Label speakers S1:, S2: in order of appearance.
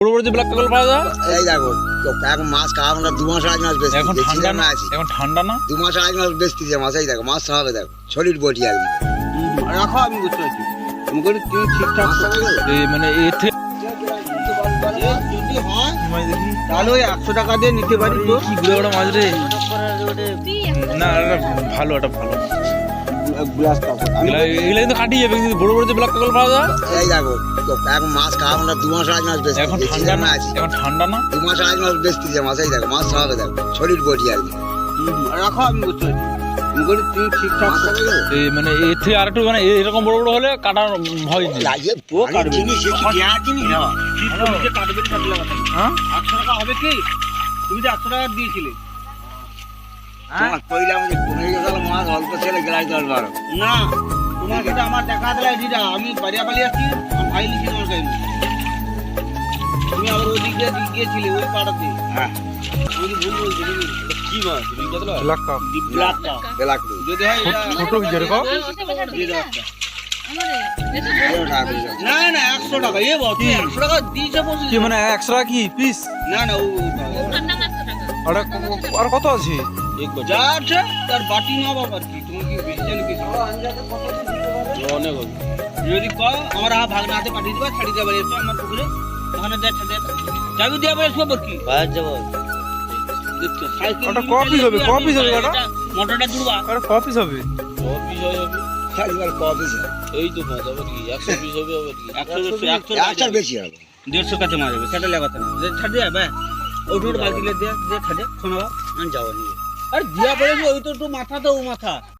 S1: বড় বড় যে ব্ল্যাক কাকল পাওয়া যায়
S2: এই দেখো এখন মাছ খাওয়া আমরা 2 মাস 8 মাস বেশি
S1: এখন ঠান্ডা না
S2: আছি
S1: এখন ঠান্ডা না
S2: 2 মাস 8 মাস বেশি যে মাছ এই দেখো মাছ খাওয়াবে দেখো সলিড বডি আর
S3: রাখো আমি বুঝতে পারছি আমি করে তুমি ঠিকঠাক
S1: এই মানে এতে
S3: যদি হয় তাহলে ওই 100 টাকা দিয়ে নিতে পারি তো
S1: কি গুলো ওটা মাছ রে না এটা ভালো এটা ভালো
S3: গ্লাস কাপড়
S1: এগুলো কিন্তু কাটিয়ে যাবে কিন্তু বড় বড় যে ব্ল্যাক কাকল পাওয়া যায়
S2: এই দেখো এখন মাছ খাওয়া আমরা 2 মাস 8 মাস বেশি
S1: এখন ঠান্ডা না
S2: আছি
S1: এখন ঠান্ডা না
S2: 2 মাস 8 মাস বেশি যে মাছ এই দেখো মাছ খাওয়াবে দেখো সলিড বডি আর
S3: রাখো আমি বুঝতে পারছি আমি করে তুমি ঠিকঠাক
S1: এই মানে এতে আর একটু মানে এরকম বড় বড় হলে কাটার ভয় নেই
S2: লাগে
S3: ও কাটবে
S2: জিনিস জিনিস না
S3: নিজে কাটবেন কাটলে কথা না
S1: হ্যাঁ
S3: 100 টাকা হবে কি তুমি যে 100 টাকা দিয়েছিলে
S2: তোমার কইলাম যে কোনে গেল মাছ অল্প ছেলে গ্লাস দল বারো
S3: না তোমার সাথে আমার দেখা দিলা এডিটা আমি বাড়িয়া বাড়ি আসছি আমি ভাই লিখি তোমার কাছে তুমি আবার ওই দিক দিয়ে গিয়েছিলে ওই পাড়াতে
S2: হ্যাঁ
S3: ওই ভুল বলছি কি মাছ রিঙ্গাতলা
S1: ব্ল্যাক কাপ
S3: ব্ল্যাকটা
S2: বেলাক
S3: যদি হয় এটা
S1: ছোট যেরকম
S3: দিয়ে দাও একটা।
S2: টাকা
S3: না না 100 টাকা এ বাবা তুমি 100 টাকা দিয়েছে বলছিস
S1: কি মানে 100 টাকা কি পিস
S3: না না ও
S1: আর কত আছে
S3: যা আছে তার বাটি না বাবা কি তুমি কি বেশি জানো কি অনেক হবে যদি কও আমার ভাগ না হাতে পাঠিয়ে দিবা ছাড়ি যাবে এসো আমার পুকুরে ওখানে যা ছাড়ে যাবি দিয়ে বলে সব কি
S2: বাইরে যাব
S3: দেখছো সাইকেল
S1: ওটা কপিস হবে ওটা
S3: মোটরটা জুড়বা
S1: আরে কপিস হবে
S2: খালি আর কপি
S3: এই তো মজা হবে কি 100 পিস হবে কি 100
S2: একটা বেশি হবে
S3: 150 কাছে মারবে সেটা লাগাতে না যে ছাড় দিয়ে বে ওটুর বালতি লে দিয়ে ছাড়ে শোনো আমি যাবো নিয়ে আরে দিয়া বলে ওই তো মাথা তো ও মাথা